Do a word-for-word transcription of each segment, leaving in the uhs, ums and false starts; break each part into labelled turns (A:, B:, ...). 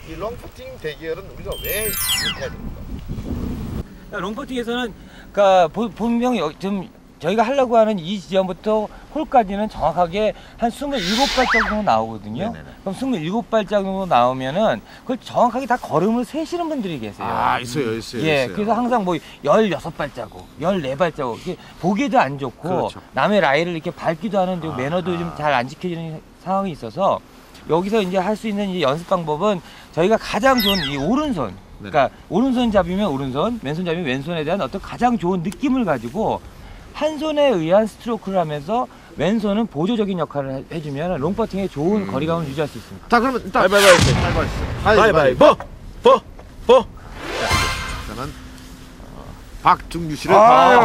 A: 이 롱퍼팅 대결은 우리가 왜 이렇게 해야 됩니까?
B: 롱퍼팅에서는 그러니까 분명히 좀 저희가 하려고 하는 이 지점부터 홀까지는 정확하게 한 스물일곱 발짝 정도 나오거든요. 네네네. 그럼 스물일곱 발짝 정도 나오면은 그걸 정확하게 다 걸음을 세시는 분들이 계세요.
A: 아, 있어요, 있어요.
B: 예,
A: 있어요.
B: 그래서 항상 뭐 열여섯 발자국, 열네 발자국, 이렇게 보기도 안 좋고
A: 그렇죠.
B: 남의 라인을 이렇게 밟기도 하는데
A: 아,
B: 매너도 좀 잘 안 지켜지는 상황이 있어서 여기서 이제 할 수 있는 이 연습 방법은 저희가 가장 좋은 이 오른손, 그러니까 오른손 잡이면 오른손, 왼손 잡이면 왼손에 대한 어떤 가장 좋은 느낌을 가지고 한 손에 의한 스트로크를 하면서 왼손은 보조적인 역할을 해주면 롱퍼팅에 좋은 음. 거리감을 유지할 수 있습니다.
A: 자, 그러면 일단 가위바위보, 가위바위보, 보, 보. 저는 박중규 씨를.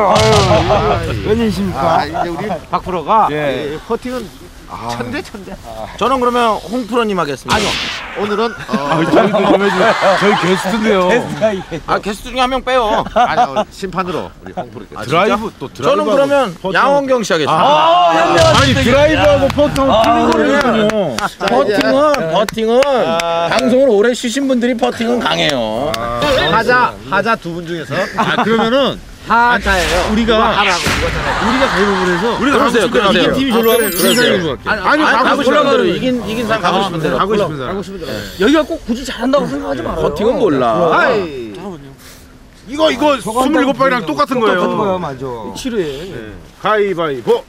B: 웬일이십니까?
A: 이제 우리 박 프로가
B: 예.
A: 퍼팅은 천재 천재.
C: 저는 그러면 홍 프로님 하겠습니다.
A: 아니요. 오늘은 어,
D: 저희도 좀 해주세요. 저희 게스트인데요.
C: 아 게스트 중에 한 명 빼요.
A: 아니요, 심판으로 우리 홍 프로.
C: 아,
D: 드라이브 또 드라이브.
C: 저는 그러면 양원경 씨 하겠습니다.
B: 아,
D: 아, 아니 드라이브하고 퍼팅하고 틀린 거거든요.
C: 퍼팅은 퍼팅은 방송을 오래 쉬신 분들이 퍼팅은 강해요.
A: 하자 하자 두 분 중에서
D: 아 그러면은
A: 하자예요.
D: 우리가
A: 하라고 이거잖아요.
D: 우리가 가위바위보를 해서
C: 우리가 그러세요. 그러세요.
D: 이긴 팀이 절로 하고 진 사람이 절로 갈게요.
A: 아니,
C: 아니 가고 싶은 대로
A: 대로
C: 이긴 이긴 사람 가고 싶은 대로.
D: 가고 싶은 사람.
A: 하고 싶은 대로.
B: 여기가 꼭 굳이 잘한다고 생각하지 말아요.
C: 퍼팅은 몰라.
A: 아이.
D: 이거 이거 스물일곱 발이랑 똑같은 거예요.
B: 똑같은 거야, 맞아.
A: 치료해.
D: 네. 가위바위보.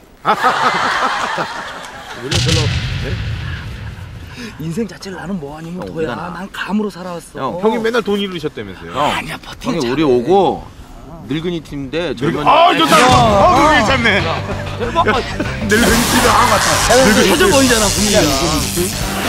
A: 우리 별로
B: 인생 자체를 나는 뭐 아니면
C: 형,
B: 도야.
C: 우리가 나-
B: 난 감으로 살아왔어.
C: 형,
D: 형이 맨날 돈 잃으셨다면서요.
C: 형,
B: 아니야, 퍼팅
C: 형이
B: 잘해.
C: 우리 오고 늙은이 팀인데 젊은.
D: 아 좋다. 아 그거 괜찮네. 늙은이 팀이 아 맞다.
B: 터져 보이잖아, 분위기가.